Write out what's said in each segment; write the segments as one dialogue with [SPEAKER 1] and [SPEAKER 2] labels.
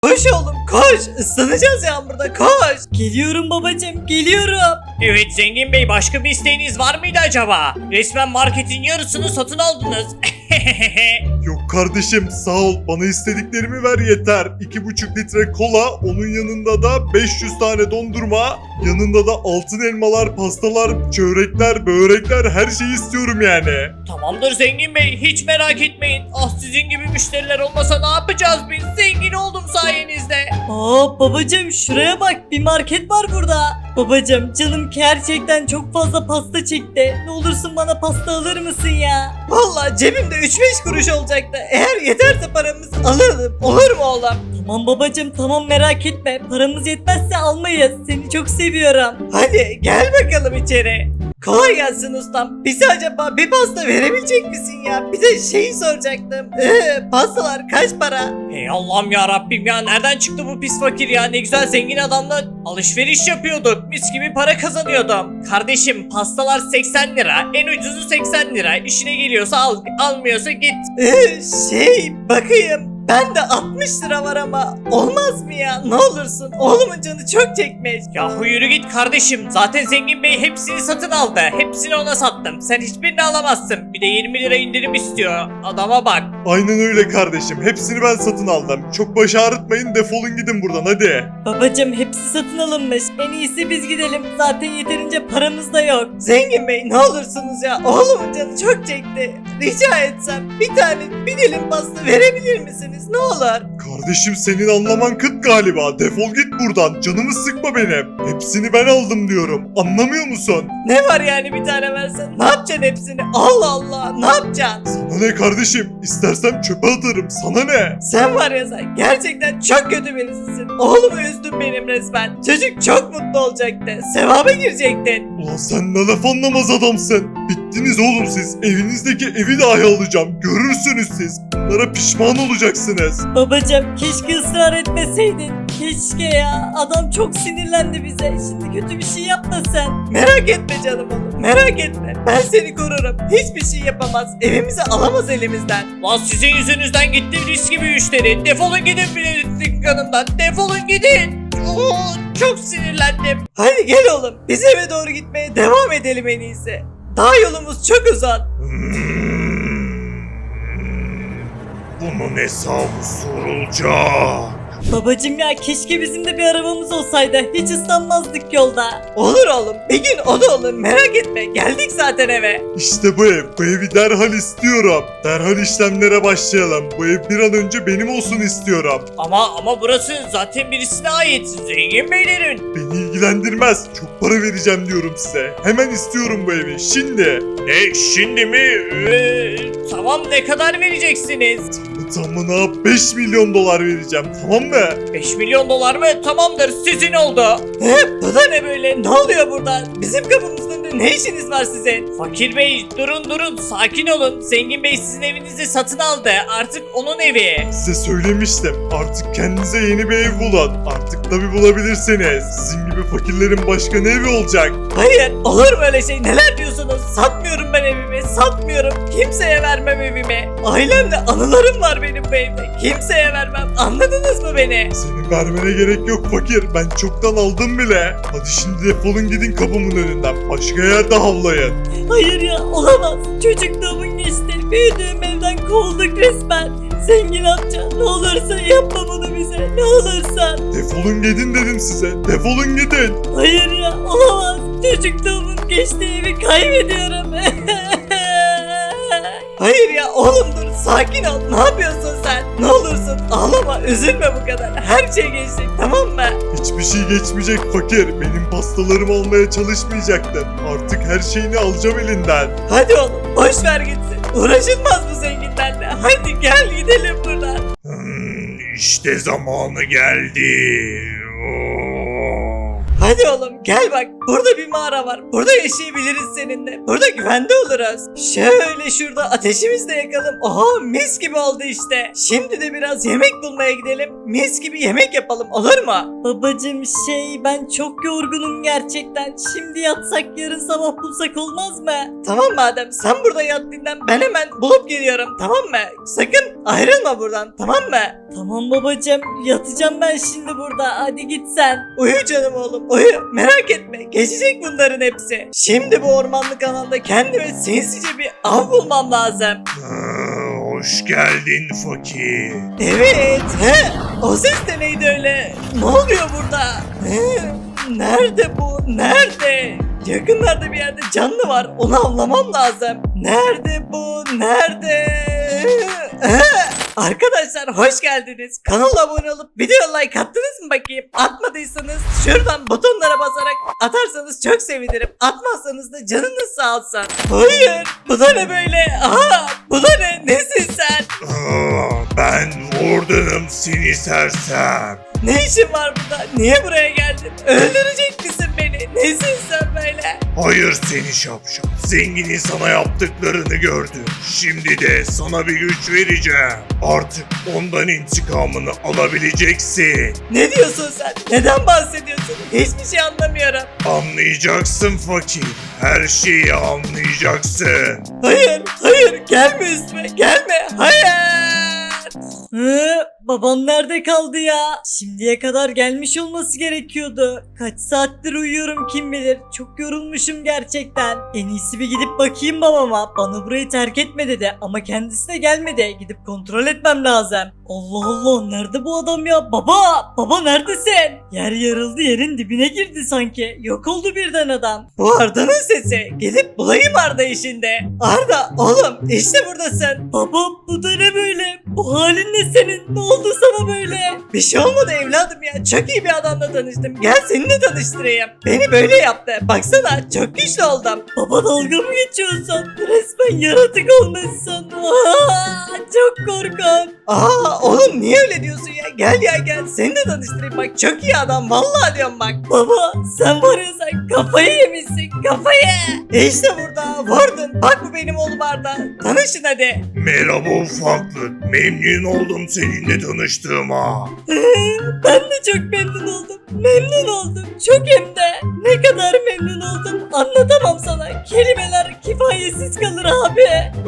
[SPEAKER 1] Koş oğlum koş. Islanacağız yağmurda koş. Geliyorum babacım geliyorum.
[SPEAKER 2] Evet Zengin Bey, başka bir isteğiniz var mıydı acaba? Resmen marketin yarısını satın aldınız.
[SPEAKER 3] Yok kardeşim sağ ol, bana istediklerimi ver yeter. 2,5 litre kola, onun yanında da 500 tane dondurma, yanında da altın elmalar, pastalar, çörekler, börekler, her şeyi istiyorum yani.
[SPEAKER 2] Tamamdır Zengin Bey, hiç merak etmeyin. Ah, sizin gibi müşteriler olmasa ne yapacağız biz? Zengin oldum sayenizde.
[SPEAKER 1] Aa babacım şuraya bak, bir market var burada. Babacım canım gerçekten çok fazla pasta çekti. Ne olursun bana pasta alır mısın ya? Vallahi cebimde 3-5 kuruş olacaktı. Eğer yeterse paramız alırdım. Olur mu oğlum? Tamam babacım tamam, merak etme. Paramız yetmezse almayız. Seni çok seviyorum. Hadi gel bakalım içeri. Kolay gelsin ustam. Bize acaba bir pasta verebilecek misin ya? Bir de şeyi soracaktım. Pastalar kaç para?
[SPEAKER 2] Hey Allah'ım ya Rabbim ya, nereden çıktı bu pis fakir ya? Ne güzel zengin adamla alışveriş yapıyorduk. Mis gibi para kazanıyordum. Kardeşim, pastalar 80 lira. En ucuzu 80 lira. İşine geliyorsa al, almıyorsa git.
[SPEAKER 1] Bakayım. Bende 60 lira var ama olmaz mı ya? Ne olursun. Oğlumun canı çok çekmiş.
[SPEAKER 2] Yahu yürü git kardeşim. Zaten Zengin Bey hepsini satın aldı. Hepsini ona sattım. Sen hiçbirini alamazsın. Bir de 20 lira indirim istiyor. Adama bak.
[SPEAKER 3] Aynen öyle kardeşim, hepsini ben satın aldım. Çok baş ağrıtmayın, defolun gidin buradan hadi.
[SPEAKER 1] Babacım hepsi satın alınmış. En iyisi biz gidelim. Zaten yeterince paramız da yok. Zengin Bey ne olursunuz ya. Oğlumun canı çok çekti. Rica etsem bir dilim pasta verebilir misiniz? Ne olur.
[SPEAKER 3] Kardeşim senin anlaman kıt galiba, defol git buradan, canımı sıkma benim. Hepsini ben aldım diyorum, anlamıyor musun?
[SPEAKER 1] Ne var yani bir tane versen? Ne yapacaksın hepsini? Allah Allah ne yapacaksın?
[SPEAKER 3] Sana ne kardeşim, istersem çöpe atarım, sana ne?
[SPEAKER 1] Sen var ya sen gerçekten çok kötü birisisin. Oğlumu üzdün benim resmen. Çocuk çok mutlu olacaktı. Sevaba girecektin.
[SPEAKER 3] Ulan sen ne laf anlamaz adamsın. Bittiniz oğlum siz, evinizdeki evi dahi alacağım, görürsünüz siz. Bunlara pişman olacaksınız.
[SPEAKER 1] Babacım keşke ısrar etmeseydin. Keşke ya. Adam çok sinirlendi bize. Şimdi kötü bir şey yapma sen. Merak etme canım oğlum. Merak etme. Ben seni korurum. Hiçbir şey yapamaz. Evimizi alamaz elimizden.
[SPEAKER 2] Lan sizin yüzünüzden gitti risk gibi müşteri. Defolun gidin bir kanımdan. Defolun gidin. Oo, çok sinirlendim.
[SPEAKER 1] Hadi gel oğlum. Biz eve doğru gitmeye devam edelim en iyisi. Daha yolumuz çok uzak.
[SPEAKER 3] Bunun hesabı sorulacak.
[SPEAKER 1] Babacım ya keşke bizim de bir arabamız olsaydı. Hiç ıslanmazdık yolda. Olur oğlum. Bir gün o da olur. Merak etme. Geldik zaten eve.
[SPEAKER 3] İşte bu ev, bu evi derhal istiyorum. Derhal işlemlere başlayalım. Bu ev bir an önce benim olsun istiyorum.
[SPEAKER 2] Ama burası zaten birisine ait. Zengin Beylerin.
[SPEAKER 3] Beni ilgilendirmez. Çok para vereceğim diyorum size. Hemen istiyorum bu evi, şimdi.
[SPEAKER 2] Ne şimdi mi? Tamam, ne kadar vereceksiniz?
[SPEAKER 3] Tamına 5 milyon dolar vereceğim, tamam mı?
[SPEAKER 2] 5 milyon dolar mı? Tamamdır, sizin oldu.
[SPEAKER 1] Bu da ne böyle? Ne oluyor burada? Bizim kapımızın önünde ne işiniz var sizin?
[SPEAKER 2] Fakir Bey, durun sakin olun. Zengin Bey sizin evinizi satın aldı. Artık onun evi.
[SPEAKER 3] Size söylemiştim. Artık kendinize yeni bir ev bulun. Artık tabi bulabilirsiniz. Sizin gibi fakirlerin başka ne evi olacak?
[SPEAKER 1] Hayır, olur mu öyle şey? Neler diyorsunuz? Satmıyorum ben evimi, satmıyorum. Kimseye vermem evimi. Ailemle anılarım var benim bu evde. Kimseye vermem. Anladınız mı beni?
[SPEAKER 3] Senin vermene gerek yok fakir. Ben çoktan aldım bile. Hadi şimdi defolun gidin kapımın önünden. Başka yerde havlayın.
[SPEAKER 1] Hayır ya, olamaz. Çocukluğumun geçti. Büyüdüğüm evden kovulduk resmen. Zengin amca, ne olursa yapma bunu bize. Ne olursan.
[SPEAKER 3] Defolun gidin dedim size. Defolun gidin.
[SPEAKER 1] Hayır ya, olamaz. Çocukluğumun geçtiği evi kaybediyorum. Hayır ya oğlum dur, sakin ol. Ne yapıyorsun sen? Ne olursun ağlama, üzülme bu kadar. Her şey geçecek, tamam mı?
[SPEAKER 3] Hiçbir şey geçmeyecek fakir. Benim pastalarımı almaya çalışmayacaktın. Artık her şeyini alacağım elinden.
[SPEAKER 1] Hadi oğlum boş ver gitsin. Uğraşılmaz bu zenginlerle. Hadi gel gidelim buradan.
[SPEAKER 3] İşte zamanı geldi.
[SPEAKER 1] Hadi oğlum gel bak, Burada bir mağara var. Burada yaşayabiliriz seninle. Burada güvende oluruz. Şöyle şurada ateşimizi de yakalım. Aha mis gibi oldu işte. Şimdi de biraz yemek bulmaya gidelim. Mis gibi yemek yapalım olur mu? Babacım ben çok yorgunum gerçekten. Şimdi yatsak yarın sabah bulsak olmaz mı? Tamam madem sen burada yat dinlen. Ben hemen bulup geliyorum tamam mı? Sakın ayrılma buradan tamam mı? Tamam babacım yatacağım ben şimdi burada. Hadi git sen. Uyu canım oğlum uyu. Merak etme geçecek bunların hepsi. Şimdi bu ormanlık alanda kendime sinsice bir av bulmam lazım.
[SPEAKER 3] Hoş geldin fakir.
[SPEAKER 1] Evet. O ses de neydi öyle? Ne oluyor burada? Nerede bu? Nerede? Yakınlarda bir yerde canlı var. Onu avlamam lazım. Nerede bu? Nerede? Arkadaşlar hoş geldiniz. Kanala abone olup video like attınız mı bakayım? Atmadıysanız şuradan butonlara basarak atarsanız çok sevinirim. Atmazsanız da canınız sağ olsun. Hayır. Bu da ne böyle? Aha, bu da ne? Nesin sen?
[SPEAKER 3] Ben Warden'ım seni sersem.
[SPEAKER 1] Ne işin var burada? Niye buraya geldin? Öldürecek misin beni? Nesin sen böyle?
[SPEAKER 3] Hayır seni şapşal. Zenginin sana yaptıklarını gördüm. Şimdi de sana bir güç vereceğim. Artık ondan intikamını alabileceksin.
[SPEAKER 1] Ne diyorsun sen? Neden bahsediyorsun? Hiçbir şey anlamıyorum.
[SPEAKER 3] Anlayacaksın fakir. Her şeyi anlayacaksın.
[SPEAKER 1] Hayır gelme üstüme gelme hayır. Babam nerede kaldı ya? Şimdiye kadar gelmiş olması gerekiyordu. Kaç saattir uyuyorum kim bilir. Çok yorulmuşum gerçekten. En iyisi bir gidip bakayım babama. Bana burayı terk etme dedi ama kendisi de gelmedi. Gidip kontrol etmem lazım. Allah Allah nerede bu adam ya? Baba neredesin? Yer yarıldı yerin dibine girdi sanki. Yok oldu birden adam. Bu Arda'nın sesi. Gidip bulayım Arda'yı şimdi. Arda oğlum işte buradasın. Baba bu da ne böyle? Bu halin ne senin? Ne oldu sana böyle? Bir şey olmadı evladım ya. Çok iyi bir adamla tanıştım. Gel seninle tanıştırayım. Beni böyle yaptı. Baksana çok güçlü oldum. Baba dalga mı geçiyorsun? Resmen yaratık olmuşsun. Çok korkunç. Oğlum niye öyle diyorsun ya? Gel ya gel. Seni de tanıştırayım bak. Çok iyi adam. Vallahi diyorum bak. Baba sen var ya sen kafayı yemişsin. Kafayı. İşte burada. Vardın. Bak bu benim oğlum Arda. Tanışın hadi.
[SPEAKER 3] Merhaba ufaklık. Memnun oldum seninle tanıştığıma.
[SPEAKER 1] Ben de çok memnun oldum. Memnun oldum. Çok hem de. Ne kadar memnun oldum. Anlatamam sana. Kelimeler kifayetsiz kalır abi.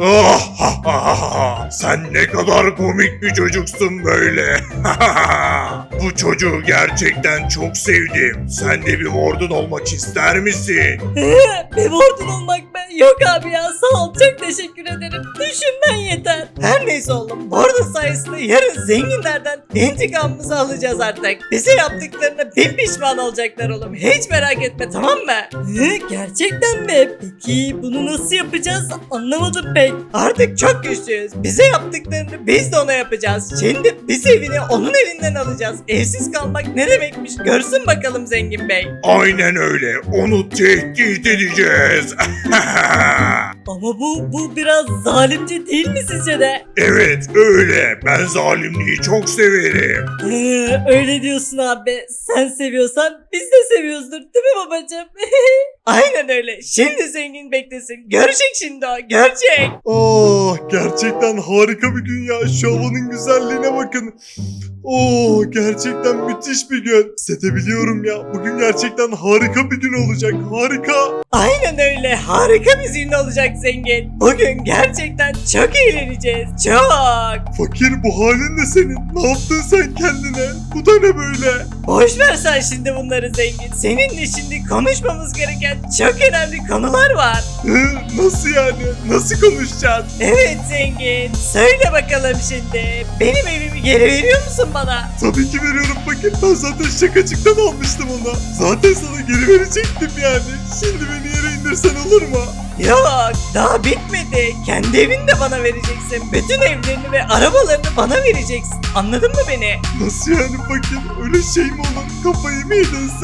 [SPEAKER 3] Sen ne kadar komik bir çocuksun böyle. Bu çocuğu gerçekten çok sevdim. Sen de bir Warden olmak ister misin?
[SPEAKER 1] Bir Warden olmak ben. Yok abi ya sağ ol. Çok teşekkür ederim. Düşünmen yeter. Her neyse oğlum. Warden sayesinde yarın zenginlerden intikamımızı alacağız artık. Bize yaptıklarına bin pişman olacaklar oğlum. Hiç merak etme tamam mı? Gerçekten mi? Peki bunu nasıl yapacağız? Anlamadım pek. Artık çok güçlüyüz. Bize yaptıklarını biz de ona yapacağız. Şimdi biz evini onun elinden alacağız. Evsiz kalmak ne demekmiş? Görsün bakalım zengin bey.
[SPEAKER 3] Aynen öyle. Onu tehdit edeceğiz.
[SPEAKER 1] Ama bu biraz zalimce değil mi sizce de?
[SPEAKER 3] Evet öyle. Ben zalimliği çok severim.
[SPEAKER 1] Öyle diyorsun abi. Sen seviyorsan biz de seviyoruzdur değil mi babacığım? Aynen öyle. Şimdi zengin beklesin. Görecek şimdi o. Görecek.
[SPEAKER 3] Gerçekten harika bir gün ya. Şu havanın güzelliğine bakın. Gerçekten müthiş bir gün. Hissedebiliyorum ya. Bugün gerçekten harika bir gün olacak. Harika.
[SPEAKER 1] Aynen öyle. Harika bir gün olacak zengin. Bugün gerçekten çok eğleneceğiz. Çok.
[SPEAKER 3] Fakir bu halin ne senin? Ne yaptın sen kendine? Bu da ne böyle?
[SPEAKER 1] Boş ver sen şimdi bunları zengin. Seninle şimdi konuşmamız gereken çok önemli konular var.
[SPEAKER 3] Nasıl yani? Nasıl konuşacağız?
[SPEAKER 1] Evet zengin. Söyle bakalım şimdi. Benim evimi geri veriyor musun bana?
[SPEAKER 3] Tabii ki veriyorum fakir. Ben zaten şakacıktan almıştım onu. Zaten sana geri verecektim yani. Şimdi beni yere indirsen olur mu?
[SPEAKER 1] Yok daha bitmedi. Kendi evini de bana vereceksin. Bütün evlerini ve arabalarını bana vereceksin. Anladın mı beni?
[SPEAKER 3] Nasıl yani fakir? Öyle şey mi olur? Kafayı mı yedin sen?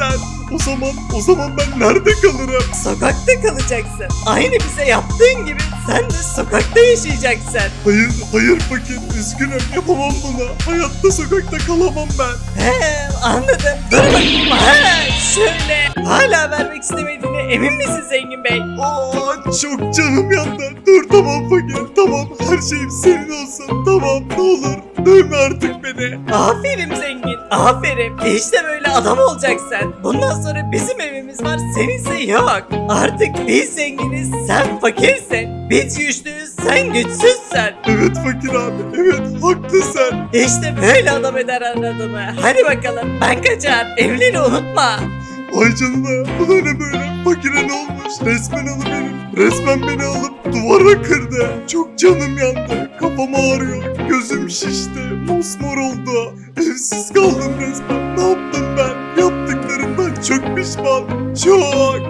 [SPEAKER 3] O zaman ben nerede kalırım?
[SPEAKER 1] Sokakta kalacaksın. Aynı bize yaptığın gibi sen de sokakta yaşayacaksın.
[SPEAKER 3] Hayır fakir, üzgünüm, yapamam bunu. Hayatta sokakta kalamam ben.
[SPEAKER 1] He, anladım. Dur bakayım. He, şöyle. Hala vermek istemediğine emin misin Zengin Bey?
[SPEAKER 3] Aa, çok canım yandı. Dur tamam fakir, tamam, her şeyim senin olsun. Tamam, ne olur dövme artık beni.
[SPEAKER 1] Aferin Zengin. Aferin. İşte böyle adam olacaksın. Bundan sonra bizim evimiz var. Seninse yok. Artık biz zenginiz. Sen fakirsin. Biz güçlüyüz. Sen güçsüzsün.
[SPEAKER 3] Evet fakir abi, evet haklısın.
[SPEAKER 1] İşte böyle adam eder adamı. Hadi bakalım. Ben kaçar. Evleri unutma.
[SPEAKER 3] Ay canına, bu da ne böyle? Fakire ne olmuş? Resmen beni alıp duvara kırdı. Çok canım yandı. Kafam ağrıyor. Gözüm şişti. Mosmor oldu. Evsiz kaldım resmen. Ne yaptım ben? Yaptıklarımdan çok pişmanım. Çok.